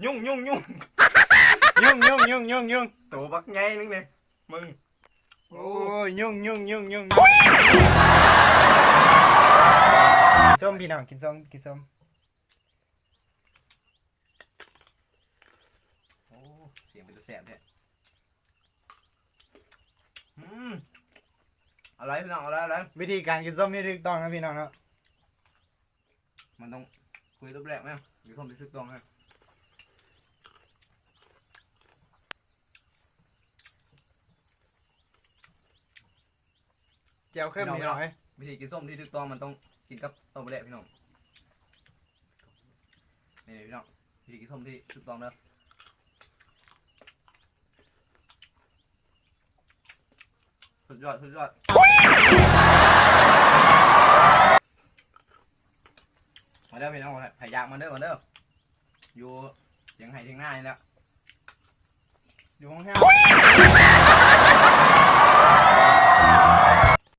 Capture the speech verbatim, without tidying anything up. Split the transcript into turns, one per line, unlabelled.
ยุ่งยุ่งยุ่งยุ่งยุ่งยุ่งยุ่งยุ่งตัวบักไงนึงเนี่ยมึงโอ้ยยุ่งยุ่งยุ่งยุ่งส้มพี่น้องกินส้มกินส้มโอ้เสียงเป็นตัวแสบเนี่ยอืมอะไรพี่น้องอะไรอะไรวิธีการกินส้มนี่ถูกต้องนะพี่น้องเนาะมันต้องคุยรูปแรกไหมกินส้มที่ถูกต้องนะแจ่วเข้มนิดหน่อยวิธีกินส้มที่ถูกต้องมันต้องกินกับต้มแรกพี่น้องนี่พี่น้องวิธีกินส้มที่ถูกต้องนะสุดยอดสุดยอดมาเด้อพี่น้องพยายามมาเด้อมาเด้ออยู่ยังไห้ยังง่ายแล้วอยู่ห้องแห้ง